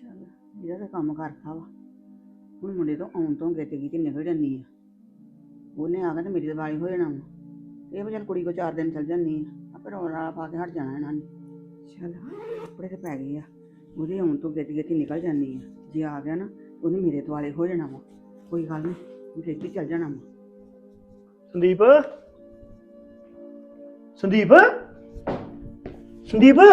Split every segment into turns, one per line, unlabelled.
ਚੱਲ ਇਹਦਾ ਤਾਂ ਕੰਮ ਕਰਤਾ ਵਾ। ਹੁਣ ਮੁੰਡੇ ਤੋਂ ਆਉਣ ਤੋਂ ਗਿੱਤ ਗਈ ਤੇ ਨਿਕਲ ਜਾਂਦੀ ਆ। ਉਹਨੇ ਆ ਕੇ ਤੇ ਮੇਰੀ ਦਿਵਾਲੀ ਹੋ ਜਾਣਾ ਵਾ। ਇਹ ਵੀ ਚੱਲ ਕੁੜੀ ਕੋ 4 ਦਿਨ ਚੱਲ ਜਾਂਦੀ ਆ, ਆਪੇ ਰੌਲਾ ਰਾਲਾ ਪਾ ਕੇ ਹਟ ਜਾਣਾ ਇਹਨਾਂ ਨੇ। ਚੱਲ ਕੱਪੜੇ ਤੇ ਪੈ ਗਏ ਆ। ਉਹਦੇ ਆਉਣ ਤੋਂ ਗਿੱਤ ਗਿੱਤ ਨਿਕਲ ਜਾਂਦੀ ਆ। ਜੇ ਆ ਗਿਆ ਨਾ ਉਹਨੇ ਮੇਰੇ ਦੁਆਲੇ ਹੋ ਜਾਣਾ ਵਾ। ਕੋਈ ਗੱਲ ਨਹੀਂ, ਛੇਤੀ ਚੱਲ ਜਾਣਾ ਵਾ।
ਸੰਦੀਪ ਸੰਦੀਪ ਸੰਦੀਪ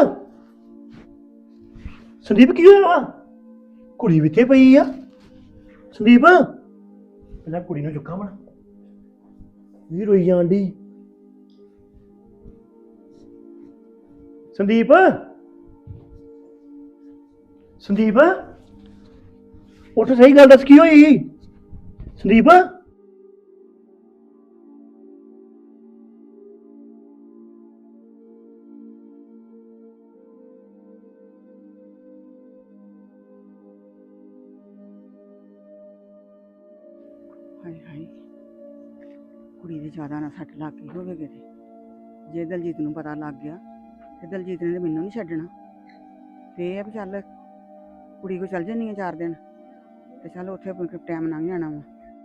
ਸੰਦੀਪ ਕੀ ਹੋਇਆ ਵਾ? ਕੁੜੀ ਵੀ ਇੱਥੇ ਪਈ ਆ। ਸੰਦੀਪ ਪਹਿਲਾਂ ਕੁੜੀ ਨੂੰ ਚੁੱਕਾਂ ਬਣਾ ਵੀ ਰੋਈ ਜਾਣ ਡਈ। ਸੰਦੀਪ ਸੰਦੀਪ ਉੱਠ, ਸਹੀ ਗੱਲ ਦੱਸ ਕੀ ਹੋਈ? ਸੰਦੀਪ
ਹਾਏ ਹਾਏ, ਕੁੜੀ ਦੇ ਜ਼ਿਆਦਾ ਨਾ ਸੱਟ ਲੱਗ ਗਈ ਹੋਵੇ ਕਿਤੇ। ਜੇ ਦਲਜੀਤ ਨੂੰ ਪਤਾ ਲੱਗ ਗਿਆ ਤੇ ਦਲਜੀਤ ਨੇ ਤਾਂ ਮੈਨੂੰ ਨਹੀਂ ਛੱਡਣਾ। ਤੇ ਇਹ ਆ ਵੀ ਚੱਲ ਕੁੜੀ ਕੋ ਚੱਲ ਜਾਂਦੀ ਆ 4 ਦਿਨ ਤੇ ਚੱਲ ਉੱਥੇ ਟਾਈਮ ਲੰਘ ਜਾਣਾ ਵਾ।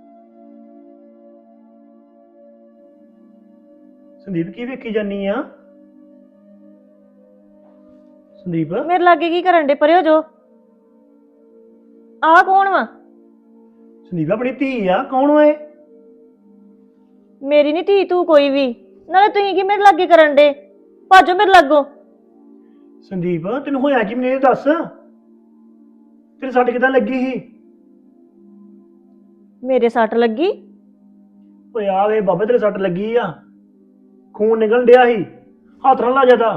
ਸੰਦੀਪ ਕੀ ਵੇਖੀ ਜਾਨੀ ਆ? ਸੰਦੀਪ
ਮੇਰੇ ਲਾਗੇ ਕੀ ਕਰਨ ਦੇ? ਪਰੇ ਹੋ ਜੋ। ਆਹ ਕੌਣ ਵਾ?
ਸੰਦੀਪ ਆਪਣੀ ਧੀ ਆ। ਕੌਣ ਹੋਏ?
ਮੇਰੀ ਨਹੀਂ ਧੀ ਤੂੰ ਕੋਈ ਵੀ। ਨਾਲੇ ਤੁਸੀਂ ਕੀ ਮੇਰੇ ਲਾਗੇ ਕਰਨ ਦੇ? ਭਾਜੋ ਮੇਰੇ ਲਾਗੋਂ।
ਸੰਦੀਪ ਤੈਨੂੰ ਹੋਇਆ ਕੀ ਮੈਨੂੰ ਇਹ ਦੱਸ। ਤੇਰੇ ਸੱਟ ਕਿੱਦਾਂ ਲੱਗੀ ਸੀ?
ਮੇਰੇ ਸੱਟ ਲੱਗੀ?
ਓਏ ਆ ਵੇ ਬਾਬਾ, ਤੇਰੇ ਸੱਟ ਲੱਗੀ ਆ। ਖੂਨ ਨਿਕਲਣ ਡਿਆ ਸੀ, ਹੱਥ ਨਾਲ ਲਾ ਜਾਂਦਾ।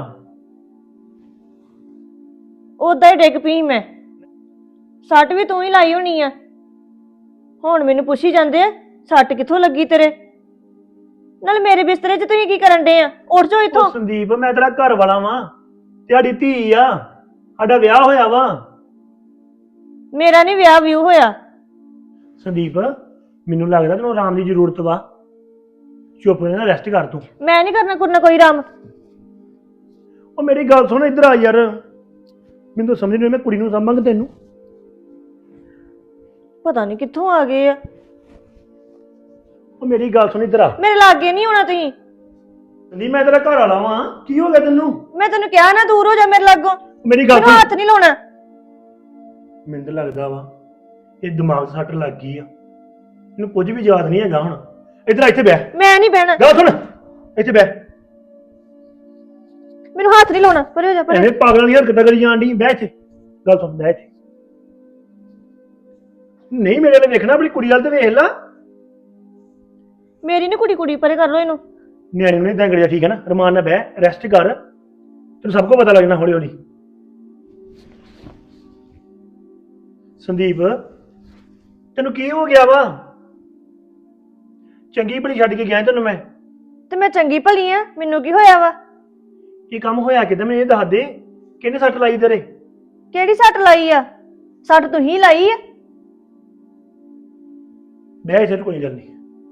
ਉਦਾਂ ਹੀ ਡਿੱਗ ਪਈ ਮੈਂ। ਸੱਟ ਵੀ ਤੂੰ ਹੀ ਲਾਈ ਹੋਣੀ ਆ। ਹੁਣ ਮੈਨੂੰ ਪੁੱਛੀ ਜਾਂਦੇ ਆ ਸੱਟ ਕਿੱਥੋਂ ਲੱਗੀ ਤੇਰੇ। ਨਾਲ ਮੇਰੇ ਬਿਸਤਰੇ 'ਚ ਤੁਸੀਂ ਕੀ ਕਰਨ ਦੇ ਆ? ਉੱਠ ਜਾਓ ਇੱਥੋਂ।
ਓ ਸੰਦੀਪ ਮੈਂ ਤੇਰਾ ਘਰ ਵਾਲਾ ਵਾਂ, ਤੁਹਾਡੀ ਧੀ ਆ, ਸਾਡਾ ਵਿਆਹ ਹੋਇਆ ਵਾ।
ਮੇਰਾ ਨਹੀਂ ਵਿਆਹ ਵਿਊ ਹੋਇਆ।
ਸੰਦੀਪ ਮੈਨੂੰ ਲੱਗਦਾ ਤੈਨੂੰ ਆਰਾਮ ਦੀ ਜ਼ਰੂਰਤ ਵਾ। ਚੁੱਪ ਕਰਕੇ ਰੈਸਟ ਕਰ ਤੂੰ।
ਮੈਂ ਨਹੀਂ ਕਰਨਾ ਕੋਈ ਆਰਾਮ।
ਉਹ ਮੇਰੀ ਗੱਲ ਸੁਣ, ਇੱਧਰ ਆ ਯਾਰ। ਮੈਨੂੰ ਤਾਂ ਸਮਝ ਨਹੀਂ ਆਈ ਮੈਂ ਕੁੜੀ ਨੂੰ ਸਾਂਭਾਂਗਾ ਤੈਨੂੰ।
ਪਤਾ ਨਹੀਂ ਕਿੱਥੋਂ ਆ ਗਏ ਆ।
ਉਹ ਮੇਰੀ ਗੱਲ ਸੁਣ, ਇੱਧਰ ਆ।
ਮੇਰੇ ਲਾਗੇ ਨਹੀਂ ਹੋਣਾ ਤੁਸੀਂ।
ਸੰਦੀਪ ਮੈਂ ਤੇਰਾ ਘਰ ਵਾਲਾ ਵਾਂ, ਕੀ ਹੋ ਗਿਆ ਤੈਨੂੰ?
ਮੈਂ ਤੈਨੂੰ ਕਿਹਾ ਨਾ ਦੂਰ ਹੋ ਜਾ ਮੇਰੇ ਲਾਗੋਂ।
ਮੇਰੀ ਗੱਲ
ਮੈਨੂੰ
ਸੁਣ,
ਹੱਥ ਨਹੀਂ ਲਾਉਣਾ।
ਮੈਨੂੰ ਤਾਂ ਲੱਗਦਾ ਵਾ ਇਹ ਦਿਮਾਗ 'ਚ ਸੱਟ ਲੱਗ ਗਈ ਆ। ਇਹਨੂੰ ਕੁਝ ਵੀ ਯਾਦ ਨਹੀਂ ਹੈਗਾ ਹੁਣ। ਇੱਧਰ ਆ, ਇੱਥੇ ਬਹਿ।
ਮੈਂ ਨਹੀਂ ਬਹਿਣਾ।
ਗੱਲ ਸੁਣ, ਇੱਥੇ ਬਹਿ।
ਮੈਨੂੰ ਹੱਥ ਨਹੀਂ ਲਾਉਣਾ। ਪਰੇ ਹੋ ਜਾ, ਪਰੇ।
ਐਵੇਂ ਪਾਗਲਾਂ ਦੀ ਹਰਕਤਾਂ ਕਰੀ ਜਾਣ ਡਈ। ਬਹਿ ਇੱਥੇ। ਗੱਲ ਸੁਣ, ਬਹਿ ਇੱਥੇ। ਨਹੀਂ ਮੇਰੇ ਨੇ ਵੇਖਣਾ, ਆਪਣੀ ਕੁੜੀ ਵੱਲ ਤੇ ਵੇਖ ਲਾ।
ਮੇਰੀ ਨੀ ਕੁੜੀ ਪਰੇ ਕਰ ਲੋ ਇਹਨੂੰ।
ਨਿਆਣੇ ਨੂੰ ਨਹੀਂ ਇਦਾਂ ਕਰਿਆ, ਠੀਕ ਹੈ ਨਾ? ਰਮਾਨ ਨਾਲ ਬਹਿ, ਰੈਸਟ ਕਰ। ਤੈਨੂੰ ਸਭ ਕੁਝ ਪਤਾ ਲੱਗ ਜਾਣਾ ਹੌਲੀ ਹੌਲੀ। ਸੰਦੀਪ ਤੈਨੂੰ ਕੀ ਹੋ ਗਿਆ ਵਾ? ਚੰਗੀ ਭਲੀ ਛੱਡ ਕੇ ਗਿਆ ਤੈਨੂੰ ਮੈਂ।
ਤੇ ਮੈਂ ਚੰਗੀ ਭਲੀ ਆ, ਮੈਨੂੰ ਕੀ ਹੋਇਆ ਵਾ?
ਇਹ ਕੰਮ ਹੋਇਆ ਕਿਦਾਂ ਮੈਨੂੰ ਇਹ ਦੱਸ ਦੇ। ਕਿਹਨੇ ਸੱਟ ਲਾਈ ਤੇਰੇ?
ਕਿਹੜੀ ਸੱਟ ਲਾਈ ਆ? ਸੱਟ ਤੂੰ ਹੀ ਲਾਈ ਆ।
ਬਹਿ ਇੱਥੇ, ਕੋਈ ਗੱਲ ਨਹੀਂ।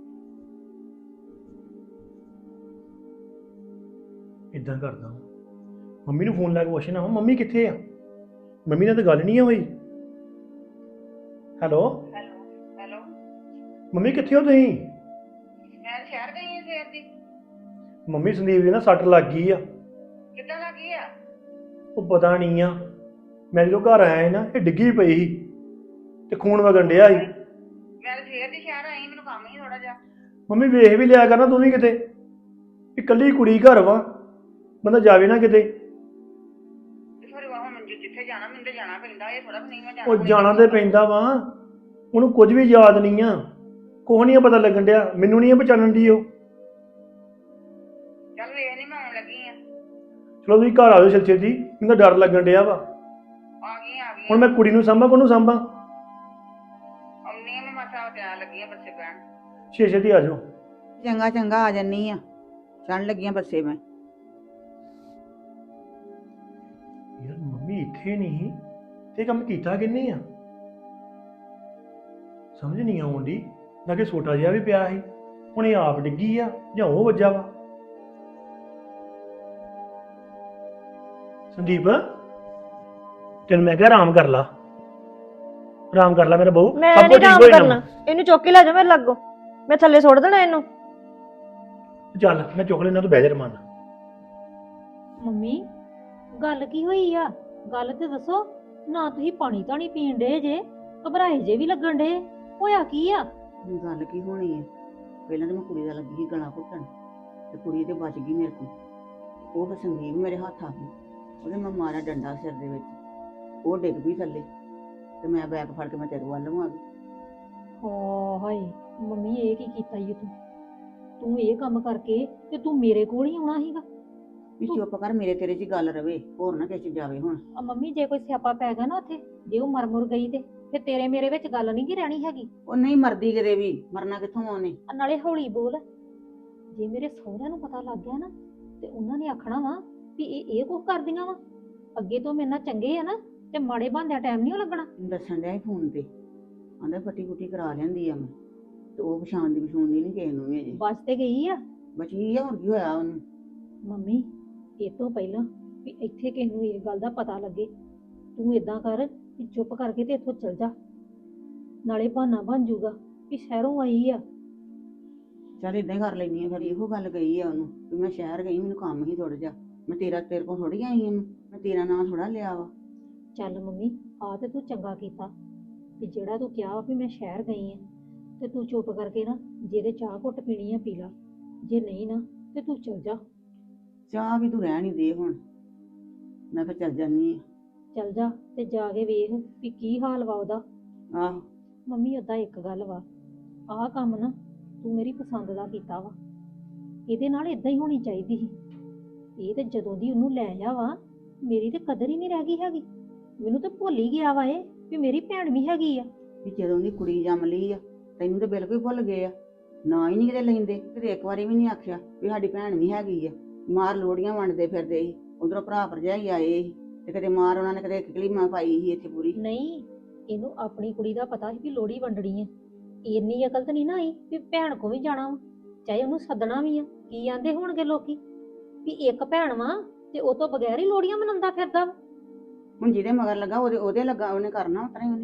ਇਦਾਂ ਕਰਦਾ ਮੰਮੀ ਨੂੰ ਫੋਨ ਲਾ ਕੇ ਪੁੱਛਣਾ ਵਾ ਮੰਮੀ ਕਿੱਥੇ ਆ। ਮੰਮੀ ਨਾਲ ਤਾਂ ਗੱਲ ਨਹੀਂ ਹੋਈ। ਹੈਲੋ
ਹੈਲੋ,
ਮੰਮੀ ਕਿੱਥੇ ਹੋ ਤੁਸੀਂ?
ਮੈਂ ਸ਼ਹਿਰ ਗਈ ਹਾਂ ਸਵੇਰ ਦੀ।
ਮੰਮੀ ਸੰਦੀਪ ਦੀ ਨਾ ਸੱਟ ਲੱਗ ਗਈ ਆ।
ਕਿੱਦਾਂ ਲੱਗੀ ਆ?
ਉਹ ਪਤਾ ਨਹੀਂ ਆ, ਮੈਂ ਜਦੋਂ ਘਰ ਆਇਆ ਸੀ ਨਾ ਇਹ ਡਿੱਗੀ ਪਈ ਸੀ ਤੇ ਖੂਨ ਵਗਣ ਡਿਆ ਸੀ।
ਮੈਂ ਸਵੇਰ ਦੀ ਸ਼ਹਿਰ ਆਈ, ਮੈਨੂੰ ਕੰਮ ਹੀ ਥੋੜਾ ਜਿਹਾ।
ਮੰਮੀ ਵੇਖ ਵੀ ਲਿਆ ਕਰਨਾ ਤੂੰ ਵੀ ਕਿਤੇ। ਇਕੱਲੀ ਕੁੜੀ ਘਰ ਵਾ, ਬੰਦਾ ਜਾਵੇ ਨਾ ਕਿਤੇ।
ਫਿਰ ਹੁਣ ਮੈਨੂੰ ਜਿੱਥੇ ਜਾਣਾ ਮੈਨੂੰ ਤੇ ਜਾਣਾ ਪੈਂਦਾ। ਇਹ ਥੋੜਾ ਨਹੀਂ ਮੈਂ
ਉਹ ਜਾਣਾ ਤੇ ਪੈਂਦਾ ਵਾ। ਉਹਨੂੰ ਕੁਝ ਵੀ ਯਾਦ ਨਹੀਂ ਆ, ਕੁਛ ਨਹੀਂ ਪਤਾ ਲੱਗਣ ਡਿਆ। ਮੈਨੂੰ ਨਹੀਂ ਪਛਾਣਨ ਦੀ ਉਹ।
ਚੱਲ ਵੇਖ ਨਹੀਂ, ਮੈਂ ਆਉਣ ਲੱਗੀ ਆ।
ਚਲੋ ਤੁਸੀਂ ਘਰ ਆ ਜਾਓ ਛੇਤੀ ਛੇਤੀ, ਮੈਨੂੰ ਤਾਂ ਡਰ ਲੱਗਣ ਡਿਆ ਵਾ।
ਆ ਗਈ
ਹੁਣ ਮੈਂ ਕੁੜੀ ਨੂੰ ਸਾਂਭਾਂ ਕੋਨੂੰ ਸਾਂਭਾਂ?
ਆਉਣੀ ਆ, ਮੈਂ ਮਾਸਾ ਤਿਆਰ ਲੱਗੀ ਆ ਬੱਸੇ ਪੈਣ।
ਛੇਤੀ ਛੇਤੀ ਆ ਜਾਓ।
ਚੰਗਾ ਚੰਗਾ ਆ ਜੰਨੀ ਆ, ਚੜਨ ਲੱਗੀਆਂ ਬੱਸੇ ਮੈਂ।
ਯਾਰ ਮੰਮੀ ਇੱਥੇ ਨਹੀਂ ਤੇ ਕੰਮ ਕੀਤਾ ਕਿੰਨੇ ਆ? ਸਮਝ ਨਹੀਂ ਆਉਂਦੀ। ਲਾਗੇ ਛੋਟਾ ਜਿਹਾ ਵੀ ਪਿਆ ਸੀ, ਹੁਣ ਇਹ ਆਪ ਡਿੱਗੀ ਆ ਜਾਂ ਉਹ ਵੱਜਾ ਵਾ। ਸੰਦੀਪ ਤੈਨੂੰ ਮੈਂ ਕਿਹਾ ਆਰਾਮ ਕਰ ਲਾ। ਆਰਾਮ ਕਰ ਲੈ ਮੇਰਾ ਬਹੂ,
ਮੈਂ
ਸਭ
ਨਹੀਂ
ਕੁਝ ਠੀਕ
ਆਰਾਮ
ਹੋ ਜਾਣਾ।
ਕਰਨਾ, ਇਹਨੂੰ ਚੁੱਕ ਕੇ ਲੈ ਜਾ ਮੇਰੇ ਲਾਗੋਂ, ਮੈਂ ਥੱਲੇ ਸੁੱਟ ਦੇਣਾ ਇਹਨੂੰ।
ਚੱਲ ਮੈਂ ਚੁੱਕ ਲੈਣਾ, ਤੂੰ ਬਹਿ ਜਾ ਰਮਾਨ।
ਮੰਮੀ ਗੱਲ ਕੀ ਹੋਈ ਆ? ਗੱਲ ਤੇ ਦੱਸੋ ਨਾ। ਤੁਸੀਂ ਪਾਣੀ ਧਾਣੀ ਪੀਣ ਡੇ ਜੇ, ਘਬਰਾਏ ਜੇ ਵੀ ਲੱਗਣ ਡੇ, ਹੋਇਆ ਕੀ ਆ?
ਗੱਲ ਕੀ ਹੋਣੀ ਹੈ? ਪਹਿਲਾਂ ਤਾਂ ਮੈਂ ਕੁੜੀ ਦਾ ਲੱਗੀ ਸੀ ਗਲਾ ਘੁੱਟਣ, ਤੇ ਕੁੜੀ ਤੇ ਬਚ ਗਈ ਮੇਰੇ ਕੋਲ। ਉਹ ਫਿਰ ਸੰਦੀਪ ਮੇਰੇ ਹੱਥ ਆ ਗਈ, ਉਹਦੇ ਮੈਂ ਮਾਰਿਆ ਡੰਡਾ ਸਿਰ ਦੇ ਵਿੱਚ, ਉਹ ਡਿੱਗ ਪਈ ਥੱਲੇ, ਤੇ ਮੈਂ ਬੈਗ ਫੜ ਕੇ ਮੈਂ ਤੇਰੇ ਵੱਲ ਨੂੰ ਆ ਗਈ।
ਹਾਂ ਹਾਏ ਮੰਮੀ, ਇਹ ਕੀ ਕੀਤਾ ਈ ਤੂੰ? ਤੂੰ ਇਹ ਕੰਮ ਕਰਕੇ ਤੇ ਤੂੰ ਮੇਰੇ ਕੋਲ ਹੀ ਆਉਣਾ ਸੀਗਾ।
ਵੀ ਚੁੱਪ ਕਰ, ਮੇਰੇ ਤੇਰੇ 'ਚ ਹੀ ਗੱਲ ਰਵੇ, ਹੋਰ ਨਾ ਕਿਸੇ 'ਚ ਜਾਵੇ ਹੁਣ।
ਆ ਮੰਮੀ, ਜੇ ਕੋਈ ਸਿਆਪਾ ਪੈ ਗਿਆ ਨਾ ਉੱਥੇ, ਜੇ ਉਹ ਮਰ ਮੁਰ ਗਈ ਤੇ ਫਿਰ ਤੇਰੇ ਮੇਰੇ ਵਿੱਚ ਗੱਲ ਨਹੀਂ ਗੀ ਰਹਿਣੀ ਹੈਗੀ।
ਉਹ ਨਹੀਂ ਮਰਦੀ ਕਿਤੇ ਵੀ, ਮਰਨਾ ਕਿੱਥੋਂ ਆ ਉਹਨੇ।
ਆ ਨਾਲੇ ਹੌਲੀ ਬੋਲ, ਜੇ ਮੇਰੇ ਸਹੁਰਿਆਂ ਨੂੰ ਪਤਾ ਲੱਗ ਗਿਆ ਨਾ ਤੇ ਉਹਨਾਂ ਨੇ ਆਖਣਾ ਵਾ ਵੀ ਇਹ ਕੁਝ ਕਰਦੀਆਂ ਵਾ। ਅੱਗੇ ਤੋਂ ਮੇਰੇ ਨਾਲ ਚੰਗੇ ਆ ਨਾ, ਤੇ ਮਾੜੇ ਬੰਦਿਆਂ ਟਾਈਮ ਨਹੀਂ ਲੱਗਣਾ।
ਦੱਸਣ ਡਿਆ ਸੀ ਫੋਨ ਤੇ, ਆਂਦਾ ਫੱਟੀ ਕੁੱਟੀ ਕਰਾ ਲੈਂਦੀ ਆ ਮੈਂ, ਤੇ ਉਹ ਪਛਾਣ ਦੀ ਨਹੀਂ ਕਿਸੇ ਨੂੰ ਵੀ ਅਜੇ।
ਬਸ ਤੇ ਗਈ ਆ
ਬਚੀ ਆ, ਹੋਰ ਕੀ ਹੋਇਆ ਉਹਨੂੰ?
ਮੰਮੀ। ਇਹ ਤੋਂ ਪਹਿਲਾਂ ਵੀ ਇੱਥੇ ਕਿਸੇ ਨੂੰ ਇਹ ਗੱਲ ਦਾ ਪਤਾ ਲੱਗੇ, ਤੂੰ ਇਦਾਂ ਕਰ ਵੀ ਚੁੱਪ ਕਰਕੇ ਤੇ ਇੱਥੋਂ ਚਲ ਜਾ, ਨਾਲੇ ਬਹਾਨਾ ਬਣ ਜਾਊਗਾ ਵੀ ਸ਼ਹਿਰੋਂ ਆਈ ਆ।
ਚੱਲ ਇਦਾਂ ਹੀ ਕਰ ਲੈਣੀ ਆ ਫਿਰ। ਇਹੋ ਗੱਲ ਕਹੀ ਆ ਉਹਨੂੰ ਵੀ ਮੈਂ ਸ਼ਹਿਰ ਗਈ, ਮੈਨੂੰ ਕੰਮ ਹੀ ਥੋੜਾ ਜਿਹਾ, ਮੈਂ ਤੇਰੇ ਕੋਲ ਥੋੜੀ ਆਈ ਆ, ਮੈਂ ਤੇਰਾ ਨਾਂ ਥੋੜਾ ਲਿਆ ਵਾ।
ਚੱਲ ਮੰਮੀ, ਆ ਤੇ ਤੂੰ ਚੰਗਾ ਕੀਤਾ ਵੀ ਜਿਹੜਾ ਤੂੰ ਕਿਹਾ ਵੀ ਮੈਂ ਸ਼ਹਿਰ ਗਈ ਆ, ਤੇ ਤੂੰ ਚੁੱਪ ਕਰਕੇ ਨਾ, ਜਿਹਦੇ ਚਾਹ ਘੁੱਟ ਪੀਣੀ ਆ ਪੀ ਲਾ, ਜੇ ਨਹੀਂ ਨਾ ਤੇ ਤੂੰ ਚਲ ਜਾ।
ਚਾਹ ਵੀ ਤੂੰ ਰਹਿਣ ਹੀ ਦੇ ਹੁਣ, ਮੈਂ ਫਿਰ ਚੱਲ ਜਾਨੀ ਆ।
ਚਲ ਜਾ ਤੇ ਜਾ ਕੇ ਵੇਖ ਵੀ ਕੀ ਹਾਲ ਵਾ ਉਹਦਾ।
ਆਹੋ
ਮੰਮੀ ਓਦਾਂ ਇੱਕ ਗੱਲ ਵਾ, ਆਹ ਕੰਮ ਨਾ ਤੂੰ ਮੇਰੀ ਪਸੰਦ ਦਾ ਕੀਤਾ ਵਾ, ਇਹਦੇ ਨਾਲ ਇਦਾਂ ਹੀ ਹੋਣੀ ਚਾਹੀਦੀ ਸੀ। ਇਹ ਤੇ ਜਦੋਂ ਦੀ ਉਹਨੂੰ ਲੈ ਆ ਵਾ, ਮੇਰੀ ਤੇ ਕਦਰ ਹੀ ਨਹੀਂ ਰਹਿ ਗਈ ਹੈਗੀ। ਮੈਨੂੰ ਤੇ ਭੁੱਲ ਹੀ ਗਿਆ ਵਾ ਇਹ ਵੀ ਮੇਰੀ ਭੈਣ ਵੀ ਹੈਗੀ ਆ।
ਵੀ ਜਦੋਂ ਦੀ ਕੁੜੀ ਜੰਮ ਲਈ ਆ, ਤੈਨੂੰ ਤੇ ਬਿਲਕੁਲ ਹੀ ਭੁੱਲ ਗਏ ਆ, ਨਾ ਹੀ ਨਹੀਂ ਕਿਤੇ ਲੈਂਦੇ, ਕਿਤੇ ਇੱਕ ਵਾਰੀ ਵੀ ਨਹੀਂ ਆਖਿਆ ਵੀ ਸਾਡੀ ਭੈਣ ਵੀ ਹੈਗੀ ਆ। ਮਾਰ ਲੋੜੀਆਂ ਵੰਡਦੇ ਫਿਰਦੇ ਸੀ, ਉਧਰੋਂ ਭਰਾ ਭਰਜਾਈ ਆਏ ਸੀ, ਤੇ ਕਦੇ ਮਾਰ ਉਹਨਾਂ ਨੇ ਕਦੇ ਕਿਕਲੀ ਮਾਂ ਪਾਈ ਸੀ ਇੱਥੇ ਪੂਰੀ।
ਨਹੀਂ, ਇਹਨੂੰ ਆਪਣੀ ਕੁੜੀ ਦਾ ਪਤਾ ਸੀ ਵੀ ਲੋੜੀ ਵੰਡਣੀ ਆ। ਇੰਨੀ ਅਕਲ ਤਾਂ ਨਹੀਂ ਨਾ ਆਈ ਵੀ ਭੈਣ ਕੋ ਵੀ ਜਾਣਾ ਵਾ, ਚਾਹੇ ਉਹਨੂੰ ਸੱਦਣਾ ਵੀ ਆ। ਕੀ ਆਂਦੇ ਹੋਣਗੇ ਲੋਕੀ ਵੀ ਇੱਕ ਭੈਣ ਵਾ ਤੇ ਉਹ ਤੋਂ ਬਗੈਰ ਹੀ ਲੋੜੀਆਂ ਮਨਾਉਂਦਾ ਫਿਰਦਾ ਵਾ।
ਹੁਣ ਜਿਹਦੇ ਮਗਰ ਲੱਗਾ ਉਹਦੇ ਲੱਗਾ, ਉਹਨੇ ਕਰਨਾ ਉਤਰਾ ਹੀ ਉਹਨੇ।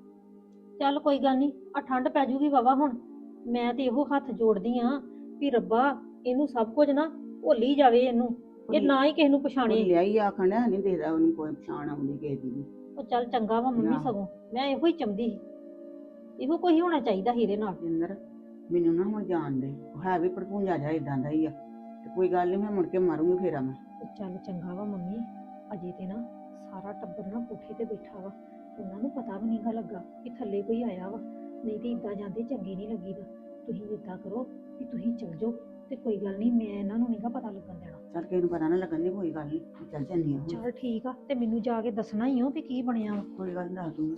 ਚੱਲ ਕੋਈ ਗੱਲ ਨਹੀਂ, ਆ ਠੰਡ ਪੈ ਜੂਗੀ ਵਾਵਾ ਹੁਣ। ਮੈਂ ਤੇ ਇਹੋ ਹੱਥ ਜੋੜਦੀ ਆ ਵੀ ਰੱਬਾ ਇਹਨੂੰ ਸਭ ਕੁਝ ਨਾ ਭੁੱਲ ਹੀ ਜਾਵੇ, ਇਹਨੂੰ ਇਹ ਨਾ ਹੀ ਕਿਸੇ ਨੂੰ ਪਛਾਣੇ।
ਲਿਆ ਹੀ ਆਖਣ ਡਿਆ, ਨਹੀਂ ਦੇਖਦਾ ਉਹਨੂੰ ਕੋਈ ਪਛਾਣ ਆਉਂਦੀ ਕਿਸੇ ਦੀ ਵੀ।
ਉਹ ਚੱਲ ਚੰਗਾ ਵਾ ਮੰਮੀ,
ਆਹ।
ਸਗੋਂ ਮੈਂ ਇਹੋ ਹੀ ਚਾਹੁੰਦੀ ਸੀ, ਇਹੋ ਕੋਈ ਹੋਣਾ ਚਾਹੀਦਾ ਸੀ ਇਹਦੇ ਨਾਲ।
ਜਿੰਦਰ ਮੈਨੂੰ ਨਾ ਹੁਣ ਜਾਣ ਦੇ, ਉਹ ਹੈ ਵੀ ਭੜਪੂੰਜਾ ਜਾ ਇਦਾਂ ਦਾ ਹੀ ਆ, ਤੇ ਕੋਈ ਗੱਲ ਨਹੀਂ, ਮੈਂ ਮੁੜ ਕੇ ਮਾਰੂੰਗੀ ਫੇਰਾ ਮੈਂ।
ਉਹ ਚੱਲ ਚੰਗਾ ਵਾ ਮੰਮੀ, ਅਜੇ ਤੇ ਨਾ ਸਾਰਾ ਟੱਬਰ ਨਾ ਕੋਠੇ ਤੇ ਬੈਠਾ ਵਾ, ਉਹਨਾਂ ਨੂੰ ਪਤਾ ਵੀ ਨਹੀਂਗਾ ਲੱਗਾ ਕਿ ਥੱਲੇ ਕੋਈ ਆਇਆ ਵਾ। ਨਹੀਂ ਤੇ ਇਦਾਂ ਜਾਂਦੇ ਚੰਗੇ ਨਹੀਂ ਲੱਗੀਦਾ। ਤੁਸੀਂ ਇਦਾਂ ਕਰੋ ਵੀ ਤੁਸੀਂ ਚਲ ਜਾਓ, ਤੇ ਕੋਈ ਗੱਲ ਨਹੀਂ, ਮੈਂ ਇਹਨਾਂ ਨੂੰ ਨਹੀਂਗਾ ਪਤਾ ਲੱਗਣ ਦੇਣਾ।
ਚੱਲ ਕਿਸੇ ਨੂੰ ਪਤਾ ਨਾ ਲੱਗਣ ਦੀ, ਕੋਈ ਗੱਲ ਨਹੀਂ, ਚੱਲ ਜੰਨੀ ਆ ਹੁਣ।
ਚਲ ਠੀਕ ਆ, ਤੇ ਮੈਨੂੰ ਜਾ ਕੇ ਦੱਸਣਾ ਹੀ ਹੋ ਵੀ ਕੀ ਬਣਿਆ ਵਾ।
ਕੋਈ ਗੱਲ ਨੀ, ਦੱਸ ਦੂੰਗੀ।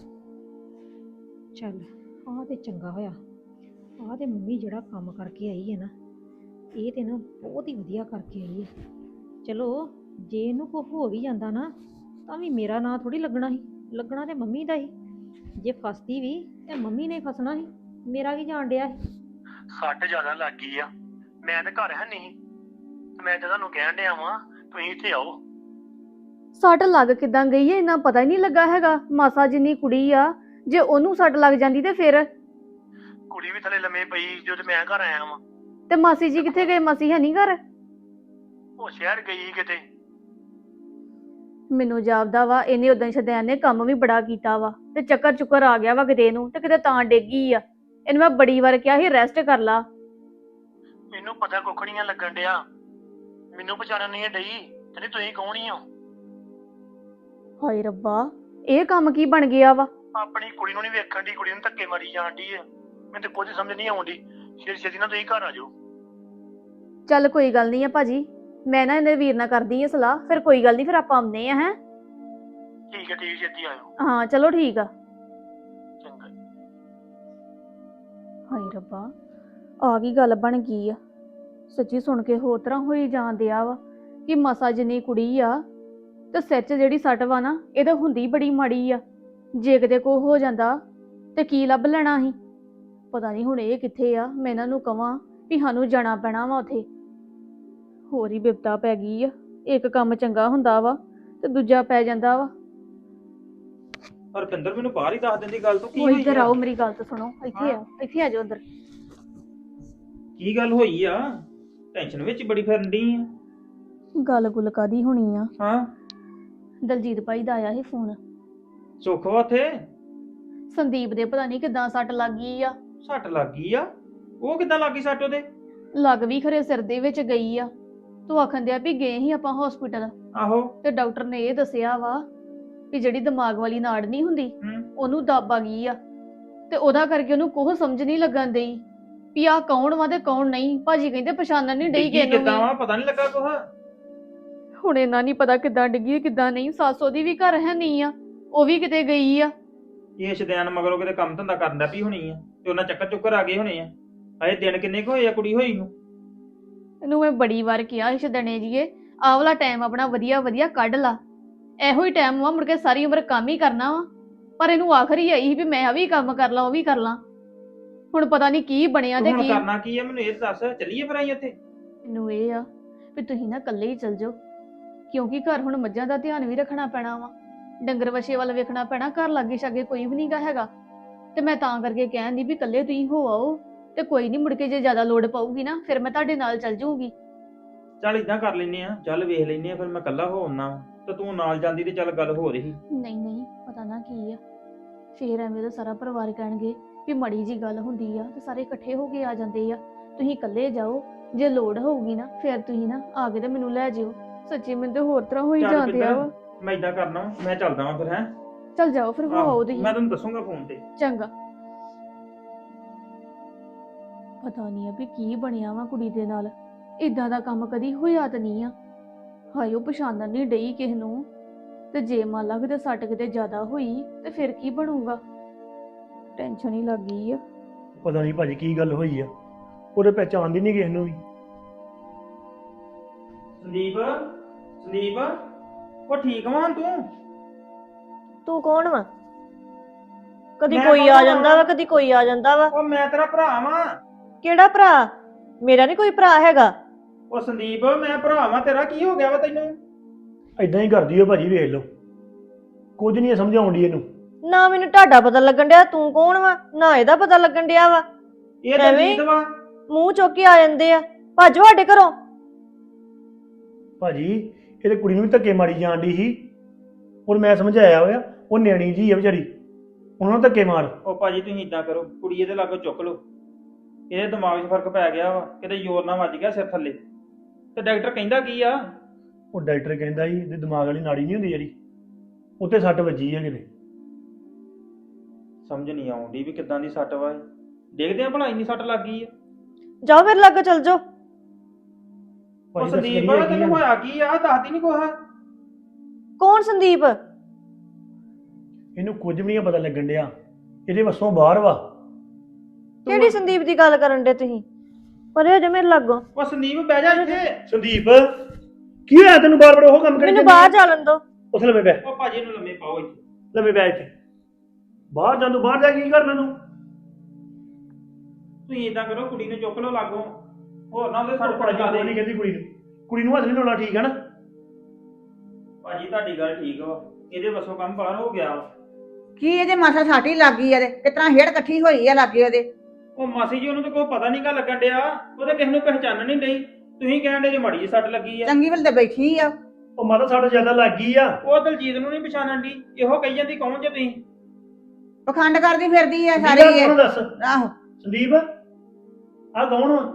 ਚੱਲ ਆਹ ਤੇ ਚੰਗਾ ਹੋਇਆ, ਆਹ ਤੇ ਮੰਮੀ ਜਿਹੜਾ ਕੰਮ ਕਰਕੇ ਆਈ ਹੈ ਨਾ, ਇਹ ਤੇ ਨਾ ਬਹੁਤ ਹੀ ਵਧੀਆ ਕਰਕੇ ਆਈ ਹੈ। ਚਲੋ ਜੇ ਇਹਨੂੰ ਕੁਛ ਹੋ ਵੀ ਜਾਂਦਾ ਨਾ, ਤਾਂ ਵੀ ਮੇਰਾ ਨਾਂ ਥੋੜੀ ਲੱਗਣਾ ਸੀ, ਲੱਗਣਾ ਤੇ ਮੰਮੀ ਦਾ ਹੀ। ਜੇ ਫਸਦੀ ਵੀ ਤੇ ਮੰਮੀ ਨੇ ਫਸਣਾ ਸੀ, ਮੇਰਾ ਕੀ ਜਾਣ ਡਿਆ ਸੀ।
ਸੱਟ ਜ਼ਿਆਦਾ ਲੱਗ ਗਈ ਆ, ਮੈਂ ਤਾਂ ਘਰ ਹੈ ਨਹੀਂ, ਮੈਂ ਤਾਂ ਤੁਹਾਨੂੰ ਕਹਿਣ ਡਿਆ ਵਾਂ ਤੁਸੀਂ ਇੱਥੇ ਆਓ।
ਸੱਟ ਲੱਗ ਕਿਦਾਂ ਗਈ ਹੈ, ਇੰਨਾ ਪਤਾ ਹੀ ਨਹੀਂ ਲੱਗਾ ਹੈਗਾ। ਮਾਸਾ ਜਿੰਨੀ ਕੁੜੀ ਆ, ਜੇ ਉਹਨੂੰ ਸੱਟ ਲੱਗ ਜਾਂਦੀ ਤੇ ਫਿਰ?
ਕੁੜੀ ਵੀ ਥੱਲੇ ਲੰਮੇ ਪਈ ਜਦੋਂ ਮੈਂ ਘਰ ਆਇਆ ਵਾਂ।
ਤੇ ਮਾਸੀ ਜੀ ਕਿੱਥੇ ਗਏ? ਮਾਸੀ ਹੈ ਨਹੀਂ ਘਰ?
ਉਹ ਸ਼ਹਿਰ ਗਈ ਕਿਤੇ।
ਮੈਨੂੰ ਜਾਪਦਾ ਵਾ ਇਹਨੇ ਉਦਾਂ ਸ਼ਦੈਨ ਨੇ ਕੰਮ ਵੀ ਬੜਾ ਕੀਤਾ ਵਾ, ਤੇ ਚੱਕਰ ਚੁੱਕਰ ਆ ਗਿਆ ਵਾ ਕਿਤੇ ਨੂੰ, ਤੇ ਕਿਤੇ ਤਾਂ ਡੇਗੀ ਆ। ਇਹਨੂੰ ਮੈਂ ਬੜੀ ਵਾਰ ਕਿਹਾ ਸੀ ਰੈਸਟ ਕਰ ਲਾ।
ਮੈਨੂੰ ਪਤਾ ਕੁੱਖ ਨੀ ਲੱਗਣ ਡਿਆ, ਮੈਨੂੰ ਪਛਾਣਨ ਨਹੀਂ ਡਈ, ਕਹਿੰਦੀ ਤੁਸੀਂ ਕੌਣ ਹੀ ਹੋ।
ਹਾਏ ਰੱਬਾ, ਇਹ ਕੰਮ ਕੀ ਬਣ ਗਿਆ ਵਾ?
ਆਪਣੀ ਕੁੜੀ ਨੂੰ ਨਹੀਂ ਵੇਖਣ ਦੀ, ਕੁੜੀ ਨੂੰ ਧੱਕੇ ਮਾਰੀ ਜਾਣ ਡਈ ਆ। ਮੈਨੂੰ ਤੇ ਕੁਝ ਸਮਝ ਨਹੀਂ ਆਉਂਦੀ। ਛੇਤੀ ਛੇਤੀ ਨਾਲ ਤੁਸੀਂ ਘਰ ਆ ਜਾਓ।
ਚੱਲ ਕੋਈ ਗੱਲ ਨਹੀਂ ਆ ਭਾਜੀ, ਮੈਂ ਨਾ ਇਹਦੇ ਵੀਰ ਨਾਲ ਕਰਦੀ ਆ ਸਲਾਹ, ਫਿਰ ਕੋਈ ਗੱਲ ਨਹੀਂ, ਫਿਰ ਆਪਾਂ ਆਉਂਦੇ ਆ। ਹੈ
ਠੀਕ ਹੈ, ਠੀਕ, ਛੇਤੀ ਆਇਓ।
ਹਾਂ ਚਲੋ ਠੀਕ ਆ।
ਚੰਗਾ।
ਹਾਏ ਰੱਬਾ, ਆ ਕੀ ਗੱਲ ਬਣ ਗਈ ਆ? ਸੱਚੀ ਸੁਣ ਕੇ ਹੋਰ ਤਰ੍ਹਾਂ ਹੋਈ ਜਾਣ ਡਿਆ ਵਾ ਕਿ ਮਸਾ ਜਿੰਨੀ ਕੁੜੀ ਆ, ਤੇ ਸੱਚ ਜਿਹੜੀ ਸੱਟ ਵਾ ਨਾ, ਇਹ ਤਾਂ ਹੁੰਦੀ ਬੜੀ ਮਾੜੀ ਆ। ਜੇ ਕਿਤੇ ਕੋ ਹੋ ਜਾਂਦਾ ਤੇ ਕੀ ਲੱਭ ਲੈਣਾ ਸੀ? ਪਤਾ ਨਹੀਂ ਹੁਣ ਇਹ ਕਿੱਥੇ ਆ। ਮੈਂ ਇਹਨਾਂ ਨੂੰ ਕਵਾਂ ਵੀ ਸਾਨੂੰ ਜਾਣਾ ਪੈਣਾ ਵਾ ਉੱਥੇ, ਹੋਰ ਹੀ ਬਿਪਤਾ ਪੈ ਗਈ ਆ। ਇੱਕ ਕੰਮ ਚੰਗਾ ਹੁੰਦਾ ਵਾ ਤੇ ਦੂਜਾ ਪੈ ਜਾਂਦਾ ਵਾ।
ਰੁਪਿੰਦਰ ਮੈਨੂੰ ਬਾਹਰ ਹੀ ਦੱਸ ਦਿੰਦੀ ਗੱਲ ਤੋਂ ਕੀ
ਉਹ
ਹੋਈ
ਇੱਧਰ
ਆ?
ਆਓ, ਮੇਰੀ ਗੱਲ ਤਾਂ ਸੁਣੋ। ਇੱਥੇ ਆ ਜਾਓ ਅੰਦਰ।
ਕੀ ਗੱਲ ਹੋਈ ਆ? ਟੈਨਸ਼ਨ ਵਿੱਚ ਬੜੀ ਫਿਰਨ ਡਈ ਆ।
ਗੱਲ ਗੁੱਲ ਕਾਦੀ ਹੋਣੀ ਆ?
ਹਾਂ,
ਦਲਜੀਤ ਭਾਈ ਦਾ ਆਇਆ ਸੀ ਫੋਨ।
ਸੁੱਖ ਵਾ ਉੱਥੇ?
ਸੰਦੀਪ ਦੇ ਪਤਾ ਨਹੀਂ ਕਿਦਾਂ ਸੱਟ ਲੱਗ ਗਈ ਆ।
ਸੱਟ ਲੱਗ ਗਈ ਆ? ਉਹ ਕਿੱਦਾਂ ਲੱਗ ਗਈ ਸੱਟ ਉਹਦੇ?
ਲੱਗ ਵੀ ਖਰੇ ਸਿਰ ਦੇ ਵਿੱਚ ਗਈ ਆ। ਤੂੰ ਆਖਣ ਦਿਆ ਵੀ ਗਏ ਸੀ ਆਪਾਂ ਹਸਪੀਟਲ,
ਆਹੋ।
ਤੇ ਡਾਕਟਰ ਨੇ ਇਹ ਦੱਸਿਆ ਵਾ ਵੀ ਜਿਹੜੀ ਦਿਮਾਗ ਵਾਲੀ ਨਾੜ ਨਹੀਂ ਹੁੰਦੀ
ਹੂੰ।
ਉਹਨੂੰ ਦੱਬ ਆ ਗਈ ਆ, ਤੇ ਉਹਦਾ ਕਰਕੇ ਉਹਨੂੰ ਕੋਹ ਸਮਝ ਨਹੀਂ ਲੱਗਣ ਡਈ ਵੀ ਆਹ ਕੌਣ ਵਾ ਤੇ ਕੌਣ ਨਹੀਂ। ਭਾਜੀ ਕਹਿੰਦੇ ਪਛਾਣਨ ਨਹੀਂ ਡਈ
ਡਿੱਗੀ
ਕਿਸੇ ਨੂੰ
ਕਿੱਦਾਂ
ਵੀ।
ਵਾ ਪਤਾ ਨਹੀਂ ਲੱਗਾ ਕੁਛ?
ਹੁਣ ਇਹਨਾਂ ਨਹੀਂ ਪਤਾ ਕਿੱਦਾਂ ਡਿੱਗੀ ਕਿੱਦਾਂ ਨਹੀਂ। ਸੱਸ ਉਹਦੀ ਵੀ ਘਰ ਹੈ ਨਹੀਂ ਆ, ਉਹ ਵੀ ਕਿਤੇ ਗਈ ਆ।
ਇਹ ਸ਼ਦੈਨ ਮਗਰੋਂ ਕਿਤੇ ਕੰਮ ਧੰਦਾ ਕਰਨ ਦਾ ਵੀ ਹੋਣੀ ਆ ਤੇ ਉਹਨਾਂ ਚੱਕਰ ਚੁੱਕਰ ਆ ਗਏ ਹੋਣੇ ਆ। ਅਜੇ ਦਿਨ ਕਿੰਨੇ ਕੁ ਹੋਏ ਆ ਕੁੜੀ ਹੋਈ ਨੂੰ?
ਇਹਨੂੰ ਮੈਂ ਬੜੀ ਵਾਰ ਕਿਹਾ ਇਸ ਦਣੇ ਜੀਏ ਆਹ ਵਾਲਾ ਟਾਈਮ ਆਪਣਾ ਵਧੀਆ ਵਧੀਆ ਕੱਢ ਲਾ। ਇਹੋ ਹੀ ਟਾਈਮ ਵਾ, ਮੁੜ ਕੇ ਸਾਰੀ ਉਮਰ ਕੰਮ ਹੀ ਕਰਨਾ ਵਾ। ਪਰ ਇਹਨੂੰ ਆਖਰੀ ਆਈ ਸੀ ਵੀ ਮੈਂ ਆ ਵੀ ਕੰਮ ਕਰ ਲਾਂ ਉਹ ਵੀ ਕਰ ਲਾਂ। ਹੁਣ ਪਤਾ ਨਹੀਂ ਕੀ ਬਣਿਆ ਤੇ
ਹੁਣ
ਕੀ।
ਕਰਨਾ ਕੀ ਆ ਮੈਨੂੰ ਇਹ ਦੱਸ। ਚੱਲੀਏ ਫਿਰ ਅਸੀਂ ਉੱਥੇ?
ਮੈਨੂੰ ਇਹ ਆ ਵੀ ਤੁਸੀਂ ਨਾ ਇਕੱਲੇ ਹੀ ਚੱਲ ਜਾਓ, ਕਿਉਂਕਿ ਘਰ ਹੁਣ ਮੱਝਾਂ ਦਾ ਧਿਆਨ ਵੀ ਰੱਖਣਾ ਪੈਣਾ ਵਾ, ਡੰਗਰ ਵਛੇ ਵੱਲ ਵੇਖਣਾ ਪੈਣਾ। ਘਰ ਲਾਗੇ ਛਾਗੇ ਕੋਈ ਵੀ ਨਹੀਂਗਾ ਹੈਗਾ, ਤੇ ਮੈਂ ਤਾਂ ਕਰਕੇ ਕਹਿੰਦੀ ਵੀ ਇਕੱਲੇ ਤੁਸੀਂ ਹੋ ਆਓ, ਤੇ ਕੋਈ ਨਹੀਂ ਮੁੜ ਕੇ ਜੇ ਜ਼ਿਆਦਾ ਲੋੜ ਪਊਗੀ ਨਾ ਫਿਰ ਮੈਂ ਤੁਹਾਡੇ ਨਾਲ ਚੱਲ ਜਾਊਂਗੀ।
ਚੱਲ ਇਦਾਂ ਕਰ ਲੈਨੇ ਆ, ਚੱਲ ਵੇਖ ਲੈਨੇ ਆ। ਫਿਰ ਮੈਂ ਇਕੱਲਾ ਹੋ ਆਉਣਾ ਤੇ ਤੂੰ ਨਾਲ ਜਾਂਦੀ ਤੇ ਚੱਲ ਗੱਲ ਹੋ ਰਹੀ।
ਨਹੀਂ ਨਹੀਂ, ਪਤਾ ਨਾ ਕੀ ਆ, ਫੇਰ ਐਵੇਂ ਦਾ ਸਾਰਾ ਪਰਿਵਾਰ ਕਹਿਣਗੇ ਵੀ ਮਾੜੀ ਜੀ ਗੱਲ ਹੁੰਦੀ ਆ ਤੇ ਸਾਰੇ ਇਕੱਠੇ ਹੋ ਕੇ ਆ ਜਾਂਦੇ ਆ। ਤੁਸੀਂ ਇਕੱਲੇ ਜਾਓ, ਜੇ ਲੋੜ ਹੋਊਗੀ ਨਾ ਫਿਰ ਤੁਸੀਂ ਨਾ ਆ ਕੇ ਤੇ ਮੈਨੂੰ ਲੈ ਜਿਓ। ਸੱਚੀ ਮੈਨੂੰ ਤੇ ਹੋਰ ਤਰ੍ਹਾਂ ਹੋਈ
ਚੱਲ
ਜਾਂਦੇ ਆ ਵਾ।
ਪਿੰਦਰ, ਮੈਂ ਇਦਾਂ ਕਰਨਾ ਵਾ, ਮੈਂ ਚੱਲਦਾ ਵਾਂ ਫਿਰ। ਹੈ
ਚੱਲ ਜਾਓ ਫਿਰ, ਹੋ ਆਓ ਤੁਸੀਂ।
ਮੈਂ ਤੈਨੂੰ ਦੱਸੂਗਾ ਫੋਨ ਤੇ।
ਚੰਗਾ। ਪਤਾ ਨਹੀਂ ਆ ਵੀ ਕੀ ਬਣਿਆ ਵਾ ਕੁੜੀ ਦੇ ਨਾਲ। ਇਦਾਂ ਦਾ ਕੰਮ ਕਦੀ ਹੋਇਆ ਤਾਂ ਨਹੀਂ ਆ। ਹਾਏ ਉਹ ਪਛਾਣਨ ਨਹੀਂ ਡਈ ਕਿਸੇ ਨੂੰ, ਤੇ ਜੇ ਮੰਨ ਲਾ ਕਿਤੇ ਸੱਟ ਕਿਤੇ ਜ਼ਿਆਦਾ ਹੋਈ ਤੇ ਫਿਰ ਕੀ ਬਣੂਗਾ। ਟੈਨਸ਼ਨ ਹੀ ਲੱਗ ਗਈ ਆ।
ਪਤਾ ਨਹੀਂ ਭਾਜੀ ਕੀ ਗੱਲ ਹੋਈ ਆ, ਉਹਦੇ ਪਹਿਚਾਣਦੀ ਨਹੀਂ ਕਿਸੇ ਨੂੰ ਵੀ।
ਸੰਦੀਪ, ਸੰਦੀਪ, ਉਹ ਠੀਕ ਵਾਂ ਤੂੰ?
ਤੂੰ ਕੌਣ ਵਾ? ਕਦੀ
ਮੈਂ
ਕੋਈ
ਕੌਣ
ਆ
ਵਾਂ?
ਜਾਂਦਾ ਵਾ, ਕਦੀ ਕੋਈ ਆ ਜਾਂਦਾ ਵਾ।
ਉਹ ਮੈਂ ਤੇਰਾ ਭਰਾ ਵਾਂ।
ਕਿਹੜਾ ਭਰਾ? ਮੇਰਾ ਨਹੀਂ ਕੋਈ ਭਰਾ ਹੈਗਾ।
ਉਹ ਸੰਦੀਪ, ਮੈਂ ਭਰਾ ਵਾਂ ਤੇਰਾ। ਕੀ ਹੋ ਗਿਆ ਵਾ ਤੈਨੂੰ?
ਐਦਾਂ ਹੀ ਕਰਦੀ ਓ ਭਾਜੀ, ਵੇਖ ਲਓ। ਕੁਝ ਨਹੀਂ ਸਮਝਾਉਣ ਦੀ ਇਹਨੂੰ।
ਨਾ ਮੈਨੂੰ ਤੁਹਾਡਾ ਪਤਾ ਲੱਗਣ ਡਿਆ ਤੂੰ ਕੌਣ ਵਾ, ਨਾ ਇਹਦਾ ਪਤਾ ਲੱਗਣ ਡਿਆ ਵਾ।
ਇਹ ਤਾਂ
ਐਵੇਂ?
ਜੀਤ ਵਾ।
ਮੂੰਹ ਚੁੱਕ ਕੇ ਆ ਜਾਂਦੇ ਆ, ਭੱਜੋ ਸਾਡੇ ਘਰੋਂ।
ਭਾਜੀ ਇਹਦੇ ਕੁੜੀ ਨੂੰ ਵੀ ਧੱਕੇ ਮਾਰੀ ਜਾਣ ਦੀ ਸੀ, ਔਰ ਮੈਂ ਸਮਝਾਇਆ ਹੋਇਆ ਉਹ ਨਿਆਣੀ ਜੀ ਆ ਵਿਚਾਰੀ, ਉਹਨਾਂ ਨੂੰ ਧੱਕੇ ਮਾਰ।
ਉਹ ਭਾਜੀ ਤੁਸੀਂ ਇਦਾਂ ਕਰੋ, ਕੁੜੀ ਇਹਦੇ ਲਾਗੋਂ ਚੁੱਕ ਲਓ। ਇਹਦੇ ਦਿਮਾਗ 'ਚ ਫਰਕ ਪੈ ਗਿਆ ਵਾ, ਕਿਤੇ ਜ਼ੋਰ ਨਾਲ ਵੱਜ ਗਿਆ ਸਿਰ ਥੱਲੇ। ਤੇ ਡਾਕਟਰ ਕਹਿੰਦਾ ਕੀ ਆ?
ਉਹ ਡਾਕਟਰ ਕਹਿੰਦਾ ਸੀ ਇਹਦੇ ਦਿਮਾਗ ਵਾਲੀ ਨਾੜੀ ਨਹੀਂ ਹੁੰਦੀ ਜਿਹੜੀ, ਉੱਤੇ ਸੱਟ ਵੱਜੀ ਆ ਕਿਤੇ।
ਸਮਝ ਨਹੀਂ ਆਉਂਦੀ ਵੀ ਕਿੱਦਾਂ ਦੀ ਸੱਟ ਵਾ ਇਹ। ਦੇਖਦੇ ਆ ਭਲਾ ਇੰਨੀ ਸੱਟ ਲੱਗ ਗਈ ਆ।
ਜਾਓ ਮੇਰੇ ਲਾਗੇ ਚੱਲ ਜਾਓ।
ਉਹ
ਭਾਜੀ
ਸੰਦੀਪ, ਤੈਨੂੰ ਹੋਇਆ ਕੀ ਆ? ਦੱਸਦੀ ਨਹੀਂ ਕੁਛ।
ਕੌਣ ਸੰਦੀਪ?
ਇਹਨੂੰ ਕੁਝ ਵੀ ਨਹੀਂ ਪਤਾ ਲੱਗਣ ਡਿਆ, ਇਹਦੇ ਵੱਸੋਂ ਬਾਹਰ ਵਾ।
ਕਿਹੜੀ ਸੰਦੀਪ ਦੀ ਗੱਲ ਕਰਨ ਡੇ ਤੁਸੀਂ? ਪਰੇ ਜੇ ਮੇਰੇ ਲਾਗੋਂ।
ਉਹ ਸੰਦੀਪ ਬਹਿ ਜਾ ਇੱਥੇ।
ਸੰਦੀਪ ਕੀ ਹੋਇਆ ਤੈਨੂੰ? ਬਾਰ ਬਾਰ ਉਹ ਕੰਮ ਕਰੀ
ਮੈਨੂੰ
ਜਾਂਦੀ
ਬਾਹਰ
ਆ?
ਚੱਲਣ ਦੋ।
ਉੱਥੇ ਲੰਮੇ ਪੈ,
ਉਹ ਭਾਜੀ ਨੂੰ ਲੰਮੇ ਪਾਓ ਇੱਥੇ।
ਲੰਮੇ ਪੈ ਇੱਥੇ। ਬਾਹਰ ਜਾਂ ਤੂੰ ਬਾਹਰ ਜਾ ਕੇ ਕੀ ਕਰਨਾ ਤੂੰ?
ਤੁਸੀਂ ਇਦਾਂ ਕਰੋ, ਕੁੜੀ ਨੂੰ ਚੁੱਕ ਲਓ ਲਾਗੋਂ, ਹੋਰ ਨਾ ਉਹਦੇ ਸੱਟ ਪੜ
ਭਾਜੀ
ਜਾਵੇ।
ਨਹੀਂ ਕਹਿੰਦੀ ਕੁੜੀ ਨੂੰ, ਕੁੜੀ ਨੂੰ ਹੱਥ ਨਹੀਂ ਲਾਉਣਾ, ਠੀਕ ਹੈ ਨਾ?
ਭਾਜੀ ਤੁਹਾਡੀ ਗੱਲ ਠੀਕ ਵਾ, ਇਹਦੇ ਵੱਸੋਂ ਕੰਮ ਬਾਹਰ ਹੋ ਗਿਆ ਵਾ।
ਕੀ ਇਹਦੇ ਮਾਸਾ ਸਾਟੀ ਲੱਗ ਗਈ ਆ? ਕਿਸ ਤਰ੍ਹਾਂ ਹੇੜ ਇਕੱਠੀ ਹੋਈ ਆ ਲਾਗੇ ਉਹਦੇ।
ਉਹ ਮਾਸੀ ਜੀ, ਉਹਨੂੰ ਤਾਂ ਕੋਈ ਪਤਾ ਨਹੀਂ ਕਾ ਲੱਗਣ ਡਿਆ। ਉਹਦੇ ਕਿਸੇ ਨੂੰ ਪਹਿਚਾਨਣ ਨਹੀਂ ਡਈ। ਤੁਸੀਂ ਕਹਿਣ ਡੇ ਜੇ ਮਾੜੀ ਜਿਹੀ ਸੱਟ ਲੱਗੀ ਆ।
ਚੰਗੀ ਵੇਲੇ ਤੇ ਬੈਠੀ ਆ।
ਉਹ ਮਾਤਾ ਸੱਟ ਜ਼ਿਆਦਾ ਲੱਗ ਗਈ ਆ।
ਉਹ ਦਲਜੀਤ ਨੂੰ ਨਹੀਂ ਪਛਾਣਨ ਦੀ। ਇਹੋ ਕਹੀ ਜਾਂਦੀ ਕੌਣ ਜੇ ਤੁਸੀਂ?
ਪਖੰਡ ਕਰਦੀ ਫਿਰਦੀ ਆ
ਸਾਰੀ
ਸਾਰੀ ਇਹ।
ਕੌਣ ਦੱਸ?
ਆਹੋ
ਸੰਦੀਪ ਆ ਕੌਣ ਵਾ?